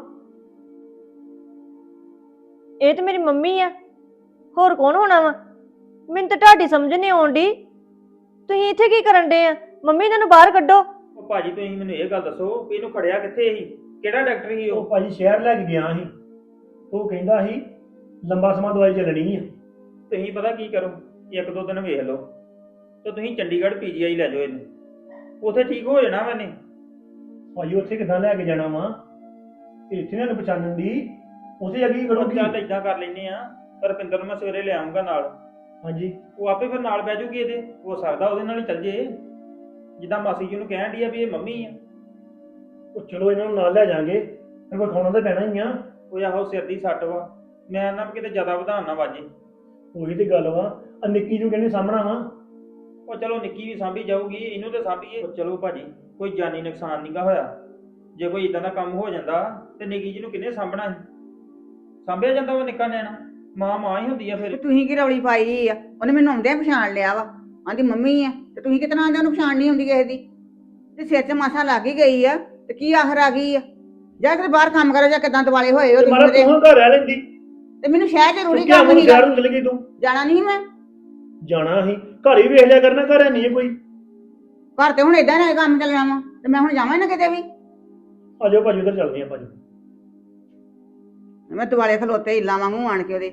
ਇਹ ਤੇ ਮੇਰੀ ਮੰਮੀ ਆ, ਹੋਰ ਕੌਣ ਹੋਣਾ ਵਾ? ਮੈਨੂੰ ਤਾਂ ਤੁਹਾਡੀ ਸਮਝ ਨਹੀਂ ਆਉਂਦੀ। ਤੁਸੀਂ ਇੱਥੇ ਕੀ ਕਰਨ ਡੇ ਆ? ਮੰਮੀ ਇਹਨਾਂ ਨੂੰ ਬਾਹਰ ਕੱਢੋ।
ਉਹ ਭਾਜੀ ਤੁਸੀਂ ਮੈਨੂੰ ਇਹ ਗੱਲ ਦੱਸੋ ਵੀ ਇਹਨੂੰ ਖੜਿਆ ਕਿੱਥੇ ਸੀ? ਕਿਹੜਾ ਡਾਕਟਰ ਸੀ
ਉਹ
ਉਹ?
ਭਾਜੀ ਸ਼ਹਿਰ ਲੈ ਕੇ ਗਿਆ ਸੀ, ਉਹ ਕਹਿੰਦਾ ਸੀ ਲੰਬਾ ਸਮਾਂ ਦਵਾਈ ਚੱਲਣੀ ਆ।
ਤੁਸੀਂ ਪਤਾ ਕੀ ਕਰੋ, ਇੱਕ ਦੋ ਦਿਨ ਵੇਖ ਲਓ ਤੇ ਤੁਸੀਂ ਚੰਡੀਗੜ੍ਹ ਪੀਜੀਆਈ ਲੈ ਜਾਓ ਇਹਨੂੰ, ਉੱਥੇ ਠੀਕ ਹੋ ਜਾਣਾ ਵਾ ਇਹਨੇ।
ਭਾਜੀ ਉੱਥੇ ਕਿੱਦਾਂ ਲੈ ਕੇ ਜਾਣਾ ਵਾ? ਇੱਥੇ ਨਾ ਪਛਾਣਨ ਦੀ, ਉੱਥੇ ਅੱਗੇ
ਉਹ
ਕਰੋਗੀ।
ਚੱਲ ਏਦਾਂ ਕਰ ਲੈਨੇ ਆ, ਰੁਪਿੰਦਰ ਨੂੰ ਮੈਂ ਸਵੇਰੇ ਲੈ ਆਉਂਗਾ ਨਾਲ।
ਹਾਂਜੀ
ਉਹ ਆਪੇ ਫਿਰ ਨਾਲ ਬਹਿ ਜੂਗੀ ਇਹਦੇ। ਹੋ ਸਕਦਾ ਉਹਦੇ ਨਾਲ ਹੀ ਚੱਲ ਜੇ, ਜਿੱਦਾਂ ਮਾਸੀ ਜੀ ਨੂੰ ਕਹਿਣ ਡਈ ਆ ਵੀ ਇਹ ਮੰਮੀ ਆ।
ਉਹ ਚਲੋ ਇਹਨਾਂ ਨੂੰ ਨਾਲ ਲੈ ਜਾਾਂਗੇ, ਫਿਰ ਕੋਈ ਖਾਣਾ ਤਾਂ ਪੈਣਾ ਹੀ ਆ।
ਉਹ ਆਹੋ ਸਿਰ ਦੀ ਸੱਟ ਵਾ, ਮੈਂ ਨਾ ਕਿਤੇ ਜ਼ਿਆਦਾ ਵਧਾਉਣ ਨਾ ਵਾਜੇ।
ਉਹੀ ਤੇ ਗੱਲ ਵਾ, ਆ ਨਿੱਕੀ ਨੂੰ ਕਹਿੰਦੇ ਸਾਹਮਣਾ ਵਾ।
ਉਹ ਚਲੋ ਨਿੱਕੀ ਵੀ ਸਾਂਭੀ ਜਾਊਗੀ, ਇਹਨੂੰ ਤੇ ਸਾਂਭੀਏ। ਉਹ ਚਲੋ ਭਾਜੀ, ਕੋਈ ਜਾਨੀ ਨੁਕਸਾਨ ਨਹੀਂਗਾ ਹੋਇਆ। ਜੇ ਕੋਈ ਇਦਾਂ ਦਾ ਕੰਮ ਹੋ ਜਾਂਦਾ ਤੇ ਨਿੱਕੀ ਜੀ ਨੂੰ ਕਿੰਨੇ ਸਾਂਭਣਾ ਸੀ? ਸਾਂਭਿਆ ਜਾਂਦਾ ਉਹ ਨਿੱਕਾ ਨਿਆਣਾ? ਮਾਂ ਮਾਂ ਹੀ ਹੁੰਦੀ ਆ
ਤੇ
ਫਿਰ।
ਤੁਸੀਂ ਕੀ ਰੌਲੀ ਪਾਈ ਆ? ਉਹਨੇ ਮੈਨੂੰ ਆਉਂਦਿਆਂ ਪਛਾਣ ਲਿਆ ਵਾ, ਆਂਦੀ ਮੰਮੀ ਆ। ਤੇ ਤੁਸੀਂ ਕਿਤਨਾ ਆਂਦੇ ਉਹਨੂੰ ਪਛਾਣ ਨਹੀਂ ਹੁੰਦੀ ਕਿਸੇ ਦੀ? ਤੇ ਸਿਰ 'ਚ ਮਾਸਾ ਲੱਗ ਹੀ ਗਈ ਆ ਤੇ ਕੀ ਆਖਰ ਆ ਗਈ ਆ? ਜਾ ਕੇ ਬਾਹਰ ਕੰਮ ਕਰੋ ਜਾਂ ਕਿਦਾਂ ਦਿਵਾਲੇ ਹੋਏ ਹੋ
ਤੇ ਮਾਰਾ
ਤੁਸੀਂ
ਤੂੰ ਘਰ ਰਹਿ ਲੈਂਦੀ।
ਤੇ ਮੈਨੂੰ ਸ਼ਹਿਰ ਜ਼ਰੂਰੀ
ਕਿਆ
ਕੰਮ
ਮੈਨੂੰ
ਸੀਗਾ,
ਸ਼ਹਿਰ ਨੂੰ ਚਲ ਗਈ ਤੂੰ?
ਜਾਣਾ ਨਹੀਂ ਮੈਂ।
ਜਾਣਾ ਸੀ, ਘਰ ਹੀ ਵੇਖ ਲਿਆ ਕਰਨਾ, ਘਰ ਨਹੀਂ ਹੈ ਕੋਈ।
ਘਰ ਤੇ ਹੁਣ ਏਦਾਂ ਨਾ ਕੰਮ ਚੱਲਣਾ ਵਾ, ਤੇ ਮੈਂ ਹੁਣ ਜਾਵਾਂ ਨਾ ਕਿਤੇ ਵੀ।
ਆ ਜਾਓ ਭਾਜੀ, ਉਧਰ ਚੱਲਦੇ ਆ ਭਾਜੀ।
ਮੈਂ ਦਿਵਾਲੇ ਖਲੋਤੇ ਹਿੱਲਾਂ ਵਾਂਗੂ ਆਣ ਕੇ ਉਹਦੇ।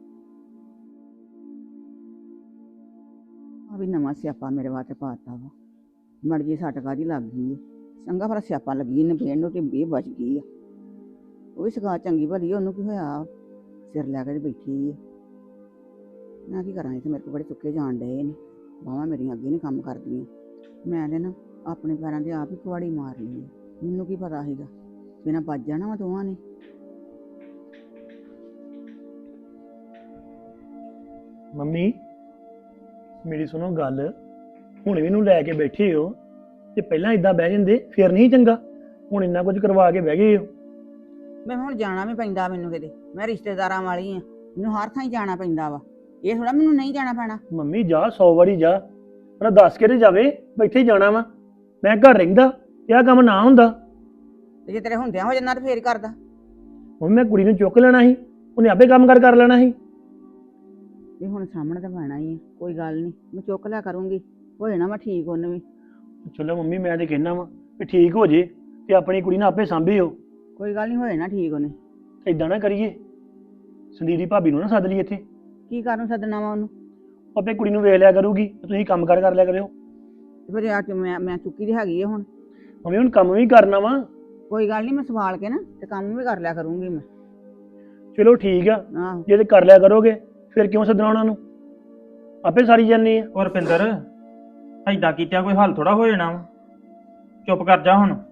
ਆ ਵੀ ਨਵਾਂ ਸਿਆਪਾ ਮੇਰੇ ਵਾਸਤੇ ਪਾਤਾ ਵਾ। ਮੜ ਜੀ ਸੱਟ ਕਾਹਦੀ ਲੱਗ ਗਈ ਆ? ਚੰਗਾ ਭਲਾ ਸਿਆਪਾ ਲੱਗੀ ਇਹਨੇ ਬੇਨ ਨੂੰ, ਤੇ ਇਹ ਬਚ ਗਈ ਆ। ਉਹ ਵੀ ਸਗਾ ਚੰਗੀ ਭਲੀ ਆ, ਉਹਨੂੰ ਕੀ ਹੋਇਆ? ਸਿਰ ਲੈ ਕੇ ਤੇ ਬੈਠੀ ਆ। ਮੈਂ ਕੀ ਕਰਾਂ, ਇੱਥੇ ਮੇਰੇ ਕੋਲ ਬੜੇ ਚੁੱਕੇ ਜਾਣ ਡਏ ਨੇ। ਬਾਹਾਂ ਮੇਰੀਆਂ ਅੱਗੇ ਨਹੀਂ ਕੰਮ ਕਰਦੀਆਂ। ਮੈਂ ਤੇ ਨਾ ਆਪਣੇ ਪੈਰਾਂ ਦੇ ਆਪ ਹੀ ਕੁਹਾੜੀ ਮਾਰ ਲਈ ਆ। ਮੈਨੂੰ ਕੀ ਪਤਾ ਸੀਗਾ ਬਿਨਾਂ ਵੱਜ ਜਾਣਾ ਵਾ ਦੋਵਾਂ ਨੇ।
ਮੰਮੀ ਮੇਰੀ ਸੁਣੋ ਗੱਲ, ਹੁਣ ਵੀ ਇਹਨੂੰ ਲੈ ਕੇ ਬੈਠੇ ਹੋ, ਤੇ ਪਹਿਲਾਂ ਇਦਾਂ ਬਹਿ ਜਾਂਦੇ ਫਿਰ ਨਹੀਂ ਚੰਗਾ। ਹੁਣ ਇੰਨਾ ਕੁਝ ਕਰਵਾ ਕੇ ਬਹਿ ਗਏ ਹੋ।
ਮੈਂ ਹੁਣ ਜਾਣਾ ਵੀ ਪੈਂਦਾ ਮੈਨੂੰ ਕਿਤੇ, ਮੈਂ ਰਿਸ਼ਤੇਦਾਰਾਂ ਵਾਲੀ ਆ, ਮੈਨੂੰ ਹਰ ਥਾਂ ਹੀ ਜਾਣਾ ਪੈਂਦਾ ਵਾ। ਇਹ ਥੋੜਾ ਮੈਨੂੰ ਨਹੀਂ ਜਾਣਾ ਪੈਣਾ।
ਮੰਮੀ ਜਾ 100 ਵਾਰੀ ਜਾ, ਪਰ ਦੱਸ ਕੇ ਤੇ ਜਾਵੇ ਇੱਥੇ ਹੀ ਜਾਣਾ ਵਾ। ਮੈਂ ਘਰ ਰਹਿੰਦਾ ਤੇ ਆਹ ਕੰਮ ਨਾ ਹੁੰਦਾ।
ਤੇ ਜੇ ਤੇਰੇ ਹੁੰਦਿਆਂ ਹੋ ਜਾਂਦਾ ਤੇ ਫੇਰ ਕਰਦਾ।
ਮੰਮੀ ਮੈਂ ਕੁੜੀ ਨੂੰ ਚੁੱਕ ਲੈਣਾ ਸੀ, ਉਹਨੇ ਆਪੇ ਕੰਮ ਕਰ ਲੈਣਾ ਸੀ।
ਵੀ ਹੁਣ ਸਾਹਮਣੇ ਤਾਂ ਪੈਣਾ ਹੀ ਆ, ਕੋਈ ਗੱਲ ਨਹੀਂ, ਮੈਂ ਚੁੱਕ ਲਿਆ ਕਰੂੰਗੀ, ਹੋ ਜਾਣਾ ਮੈਂ ਠੀਕ। ਉਹਨੂੰ ਵੀ
ਚਲੋ ਮੰਮੀ ਮੈਂ ਤੇ ਕਹਿਣਾ ਵਾ ਵੀ ਠੀਕ ਹੋ ਜੇ ਤੇ ਆਪਣੀ ਕੁੜੀ ਨੂੰ ਆਪੇ ਸਾਂਭਿਓ।
ਕੋਈ ਗੱਲ ਨਹੀਂ, ਹੋ ਜਾਣਾ ਠੀਕ ਉਹਨੇ।
ਏਦਾਂ ਨਾ ਕਰੀਏ, ਸੰਦੀਪ ਦੀ ਭਾਬੀ ਨੂੰ ਨਾ ਸੱਦ ਲਈ ਇੱਥੇ।
ਕੀ ਕਰਨ ਸੱਦਣਾ ਵਾ ਉਹਨੂੰ?
ਆਪੇ ਕੁੜੀ ਨੂੰ ਵੇਖ ਲਿਆ ਕਰੂਗੀ ਤੇ ਤੁਸੀਂ ਕੰਮ ਕਰ ਲਿਆ ਕਰਿਓ।
ਤੇ ਫਿਰ ਆ ਕੇ ਮੈਂ ਚੁੱਕੀ ਦੀ ਹੈਗੀ ਆ ਹੁਣ।
ਮੰਮੀ ਹੁਣ ਕੰਮ ਵੀ ਕਰਨਾ ਵਾ।
ਕੋਈ ਗੱਲ ਨਹੀਂ, ਮੈਂ ਸਵਾਲ ਕੇ ਨਾ ਤੇ ਕੰਮ ਵੀ ਕਰ ਲਿਆ ਕਰੂੰਗੀ ਮੈਂ।
ਚਲੋ ਠੀਕ ਆ,
ਆਹੋ
ਜੇ ਤੇ ਕਰ ਲਿਆ ਕਰੋਗੇ ਫਿਰ ਕਿਉਂ ਸੱਦਣਾ ਉਹਨਾਂ ਨੂੰ? ਆਪੇ ਸਾਰੀ ਜਾਨੀ ਆ।
ਔਰ ਰੁਪਿੰਦਰ, ਐਦਾਂ ਕੀਤਿਆਂ ਕੋਈ ਹੱਲ ਥੋੜਾ ਹੋ ਜਾਣਾ ਵਾ। ਚੁੱਪ ਕਰ ਜਾ ਹੁਣ।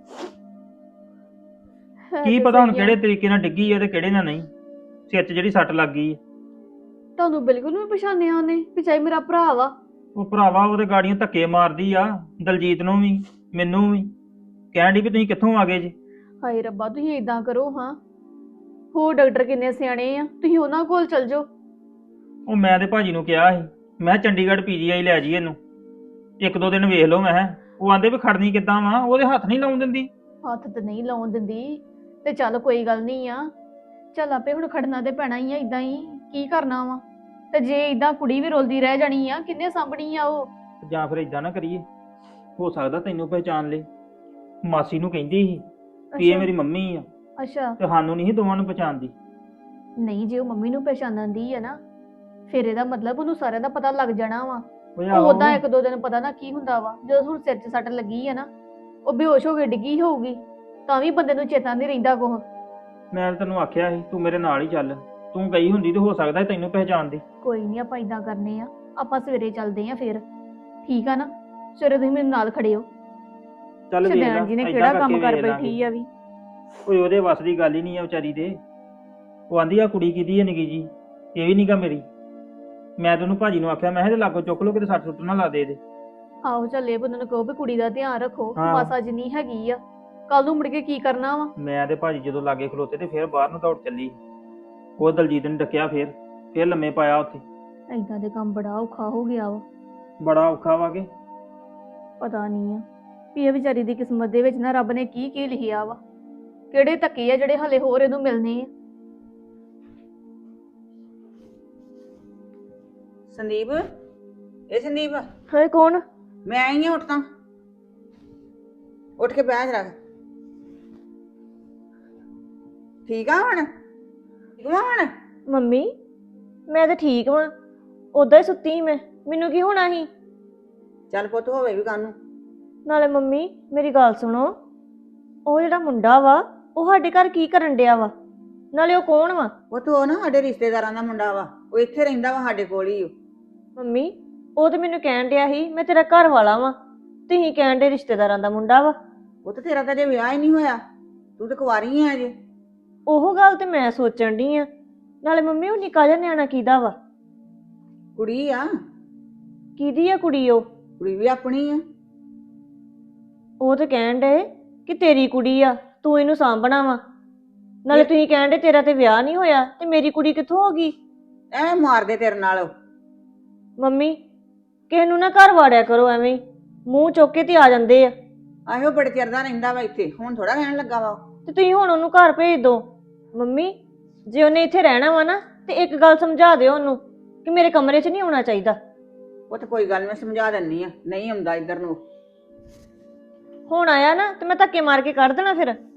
ਕੀ ਪਤਾ ਹੁਣ ਕਿਹੜੇ ਤਰੀਕੇ ਨਾਲ ਡਿੱਗੀ ਆ ਤੇ ਕਿਹੜੇ ਨਾਲ ਨਹੀਂ। ਸਿਰ 'ਚ ਜਿਹੜੀ ਸੱਟ ਲੱਗ ਗਈ ਆ।
ਤੁਹਾਨੂੰ ਬਿਲਕੁਲ ਵੀ ਪਛਾਣਿਆ ਉਹਨੇ ਵੀ ਚਾਹੇ ਮੇਰਾ ਭਰਾ ਵਾ?
ਉਹ ਭਰਾਵਾ ਉਹਦੇ ਗਾੜੀਆਂ ਧੱਕੇ ਮਾਰਦੀ ਆ, ਦਲਜੀਤ ਨੂੰ ਵੀ ਮੈਨੂੰ ਵੀ। ਕਹਿਣ ਡਈ ਵੀ ਤੁਸੀਂ ਕਿੱਥੋਂ ਆ ਗਏ ਜੀ।
ਹਾਏ ਰੱਬਾ, ਤੁਸੀਂ ਏਦਾਂ ਕਰੋ ਹਾਂ, ਹੋਰ ਡਾਕਟਰ ਕਿੰਨੇ ਸਿਆਣੇ ਆ, ਤੁਸੀਂ ਉਹਨਾਂ ਕੋਲ ਚਲ ਜਾਓ।
ਉਹ ਮੈਂ ਤੇ ਭਾਜੀ ਨੂੰ ਕਿਹਾ ਸੀ, ਮੈਂ ਕਿਹਾ ਚੰਡੀਗੜ੍ਹ PGI ਲੈ ਜੀ ਇਹਨੂੰ, 1-2 ਦਿਨ ਵੇਖ ਲਓ। ਮੈਂ ਕਿਹਾ ਉਹ ਆਂਦੇ ਵੀ ਖੜਨੀ ਕਿੱਦਾਂ ਵਾ, ਉਹਦੇ ਹੱਥ ਨਹੀਂ ਲਾਉਣ ਦਿੰਦੀ।
ਹੱਥ ਤੇ ਨਹੀਂ ਲਾਉਣ ਦਿੰਦੀ ਤੇ ਚੱਲ ਕੋਈ ਗੱਲ ਨਹੀਂ ਆ, ਚੱਲ ਆਪੇ ਹੁਣ ਖੜਨਾ ਤੇ ਪੈਣਾ ਹੀ ਆ, ਇਦਾਂ ਹੀ ਕੀ ਕਰਨਾ ਵਾ। ਤੇ ਜੇ ਇਦਾਂ ਕੁੜੀ ਵੀ ਰੋਲਦੀ ਰਹਿ ਜਾਣੀ ਆ, ਕਿੰਨੇ ਸਾਂਭਣੀ ਆ ਉਹ?
ਜਾਂ ਫਿਰ ਇਦਾਂ ਨਾ ਕਰੀਏ, ਹੋ ਸਕਦਾ ਤੈਨੂੰ ਪਹਿਚਾਨ ਲੇ। ਮਾਸੀ ਨੂੰ ਕਹਿੰਦੀ ਸੀ ਵੀ ਇਹ ਮੇਰੀ ਮੰਮੀ ਆ,
ਅੱਛਾ।
ਤੇ ਸਾਨੂੰ ਨਹੀਂ ਸੀ ਦੋਵਾਂ ਨੂੰ ਪਛਾਣਦੀ।
ਨਹੀਂ, ਜੇ ਉਹ ਮੰਮੀ ਨੂੰ ਪਛਾਣਨ ਦੀ ਆ ਨਾ, ਫਿਰ ਇਹਦਾ ਮਤਲਬ ਉਹਨੂੰ ਸਾਰਿਆਂ ਦਾ ਪਤਾ ਲੱਗ ਜਾਣਾ ਵਾ।
ਉਹ
ਉਹਦਾ 1-2 ਦਿਨ ਪਤਾ ਨਾ ਕੀ ਹੁੰਦਾ ਵਾ। ਜਦੋਂ ਹੁਣ ਸਿਰ 'ਚ ਸੱਟ ਲੱਗੀ ਆ ਨਾ, ਉਹ ਬੇਹੋਸ਼ ਹੋ ਕੇ ਡਿੱਗੀ ਹੋਊਗੀ, ਤਾਂ ਵੀ ਬੰਦੇ ਨੂੰ ਚੇਤਾ ਨਹੀਂ ਰਹਿੰਦਾ ਕੁਛ।
ਮੈਂ ਤੈਨੂੰ ਆਖਿਆ ਸੀ ਤੂੰ ਮੇਰੇ ਨਾਲ ਹੀ ਚੱਲ, ਤੂੰ ਗਈ ਹੁੰਦੀ ਤੇ ਹੋ ਸਕਦਾ ਤੈਨੂੰ ਪਹਿਚਾਣਦੀ।
ਕੋਈ ਨਹੀਂ, ਆਪਾਂ ਇਦਾਂ ਕਰਨੇ ਆ, ਆਪਾਂ ਸਵੇਰੇ ਚੱਲਦੇ ਆ ਫਿਰ, ਠੀਕ ਆ ਨਾ? ਸਵੇਰੇ ਤੁਸੀਂ ਮੇਰੇ ਨਾਲ ਖੜੇ ਹੋ।
ਚੱਲ ਵੇਖ ਲੈ,
ਸ਼ਦੈਣ ਜੀ ਨੇ
ਏਦਾਂ
ਕਿਹੜਾ ਕੰਮ
ਕਰਕੇ
ਕਰ
ਵੇਖ ਲਾਂਗੇ।
ਬੈਠੀ ਆ ਵੀ।
ਓਏ ਉਹਦੇ ਵੱਸ ਦੀ ਗੱਲ ਹੀ ਨਹੀਂ ਆ ਵਿਚਾਰੀ ਦੇ। ਉਹ ਆਂਦੀ ਆ ਕੁੜੀ ਕਿਹਦੀ ਹੈ ਨਿੱਕੀ ਜੀ, ਇਹ ਵੀ ਨਹੀਂਗਾ ਮੇਰੀ। ਮੈਂ ਤੈਨੂੰ ਭਾਜੀ ਨੂੰ ਆਖਿਆ, ਮੈਂ ਕਿਹਾ ਇਹਦੇ ਲਾਗੋਂ ਚੁੱਕ ਲੋ, ਕਿਤੇ ਸੱਟ ਸੁੱਟ ਨਾ ਲਾ ਦੇ ਇਹਦੇ।
ਆਹੋ ਚੱਲ, ਇਹ ਬੰਦੇ ਨੂੰ ਕਹੋ ਵੀ ਕੁੜੀ ਦਾ ਧਿਆਨ ਰੱਖੋ,
ਹਾਂ।
ਮਾਸਾ ਜਿੰਨੀ ਹੈਗੀ ਆ, ਕੱਲ ਨੂੰ ਮੁੜ ਕੇ ਕੀ ਕਰਨਾ ਵਾ।
ਮੈਂ ਤੇ ਭਾਜੀ ਜਦੋਂ ਲਾਗੇ ਖਲੋਤੇ ਤੇ ਫਿਰ ਬਾਹਰ ਨੂੰ ਦੌੜ ਚੱਲੀ। ਉਹ ਦਲਜੀਤ ਨੇ ਡੱਕਿਆ, ਫਿਰ ਲੰਮੇ ਪਾਇਆ ਉੱਥੇ।
ਏਦਾਂ ਦੇ ਕੰਮ ਬੜਾ ਔਖਾ ਹੋ ਗਿਆ ਵਾ।
ਬੜਾ ਔਖਾ ਵਾ ਕੇ।
ਪਤਾ ਨਹੀਂ ਆ ਵੀ ਇਹ ਵਿਚਾਰੀ ਦੀ ਕਿਸਮਤ ਦੇ ਵਿੱਚ ਨਾ ਰੱਬ ਨੇ ਕੀ ਕੀ ਲਿਖਿਆ ਵਾ, ਕਿਹੜੇ ਧੱਕੇ ਆ ਜਿਹੜੇ ਹਲੇ ਹੋਰ ਇਹਨੂੰ ਮਿਲਨੇ ਆ।
ਸੰਦੀਪ, ਇਹ ਸੰਦੀਪ
ਹਾਏ ਕੌਣ?
ਮੈਂ ਆਈ ਆ। ਉੱਠ ਤਾਂ, ਉੱਠ ਕੇ ਬਹਿ ਜਰਾ। ਠੀਕ ਆ ਹੁਣ? ਠੀਕ ਆ ਹੁਣ?
ਮੰਮੀ ਮੈਂ ਤਾਂ ਠੀਕ ਵਾਂ, ਉਦਾਂ ਹੀ ਸੁੱਤੀ ਸੀ ਮੈਂ, ਮੈਨੂੰ ਕੀ ਹੋਣਾ ਸੀ?
ਚੱਲ ਪੁੱਤ, ਹੋਵੇ ਵੀ ਕਾਹਨੂੰ।
ਨਾਲੇ ਮੰਮੀ ਮੇਰੀ ਗੱਲ ਸੁਣੋ, ਉਹ ਜਿਹੜਾ ਮੁੰਡਾ ਵਾ ਉਹ ਸਾਡੇ ਘਰ ਕੀ ਕਰਨ ਡਿਆ ਵਾ? ਨਾਲੇ ਉਹ ਕੌਣ ਵਾ?
ਪੁੱਤ ਉਹ ਨਾ ਸਾਡੇ ਰਿਸ਼ਤੇਦਾਰਾਂ ਦਾ ਮੁੰਡਾ ਵਾ, ਉਹ ਇੱਥੇ ਰਹਿੰਦਾ ਵਾ ਸਾਡੇ ਕੋਲ ਹੀ।
ਮੰਮੀ ਉਹ ਤੇ ਮੈਨੂੰ ਕਹਿਣ ਡਿਆ ਸੀ ਮੈਂ ਤੇਰਾ ਘਰ ਵਾਲਾ ਵਾਂ, ਤੁਸੀਂ ਕਹਿਣ ਡੇ ਰਿਸ਼ਤੇਦਾਰਾਂ ਦਾ ਮੁੰਡਾ ਵਾ।
ਉਹ ਤੇ ਤੇਰਾ ਤਾਂ ਜੇ ਵਿਆਹ ਹੀ ਨਹੀਂ ਹੋਇਆ, ਤੂੰ ਤਾਂ ਕੁਆਰੀ ਆ ਅਜੇ।
ਉਹ ਗੱਲ ਤੇ ਮੈਂ ਸੋਚਣ ਡਈ ਆ। ਨਾਲੇ ਮੰਮੀ ਉਹ ਨਿੱਕਾ ਜਿਹਾ ਨਿਆਣਾ ਕਿਹਦਾ ਵਾ?
ਕੁੜੀ ਆ।
ਕਿਹਦੀ ਆ ਕੁੜੀ ਉਹ?
ਕੁੜੀ ਵੀ ਆਪਣੀ ਆ।
ਉਹ ਤੇ ਕਹਿਣ ਡੇ ਕਿ ਤੇਰੀ ਕੁੜੀ ਆ, ਤੂੰ ਇਹਨੂੰ ਸਾਂਭਣਾ ਵਾ। ਨਾਲੇ ਤੁਸੀਂ ਕਹਿਣ ਡੇ ਤੇਰਾ ਤੇ ਵਿਆਹ ਨਹੀਂ ਹੋਇਆ ਤੇ ਮੇਰੀ ਕੁੜੀ ਕਿੱਥੋਂ ਹੋ ਗਈ?
ਐਵੇਂ ਮਾਰਦੇ ਤੇਰੇ ਨਾਲ ਉਹ।
ਮੰਮੀ ਕਿਸੇ ਨੂੰ ਨਾ ਘਰ ਵਾੜਿਆ ਕਰੋ ਐਵੇਂ ਹੀ, ਮੂੰਹ ਚੁੱਕ ਕੇ ਤੇ ਆ ਜਾਂਦੇ ਆ।
ਆਹੋ ਬੜੇ ਚਿਰ ਦਾ ਰਹਿੰਦਾ ਵਾ ਇੱਥੇ, ਹੁਣ ਥੋੜਾ ਰਹਿਣ ਲੱਗਾ ਵਾ ਉਹ।
ਤੇ ਤੁਸੀਂ ਹੁਣ ਉਹਨੂੰ ਘਰ ਭੇਜ ਦਿਓ। ਮੰਮੀ ਜੇ ਉਹਨੇ ਇੱਥੇ ਰਹਿਣਾ ਵਾ ਨਾ ਤੇ ਇੱਕ ਗੱਲ ਸਮਝਾ ਦਿਓ ਉਹਨੂੰ ਕਿ ਮੇਰੇ ਕਮਰੇ 'ਚ ਨਹੀਂ ਆਉਣਾ ਚਾਹੀਦਾ।
ਉਹ ਤੇ ਕੋਈ ਗੱਲ ਮੈਂ ਸਮਝਾ ਦਿੰਨੀ ਆ, ਨਹੀਂ ਆਉਂਦਾ ਇੱਧਰ ਨੂੰ।
ਹੁਣ ਆਇਆ ਨਾ ਤੇ ਮੈਂ ਧੱਕੇ ਮਾਰ ਕੇ ਕੱਢ ਦੇਣਾ ਫਿਰ।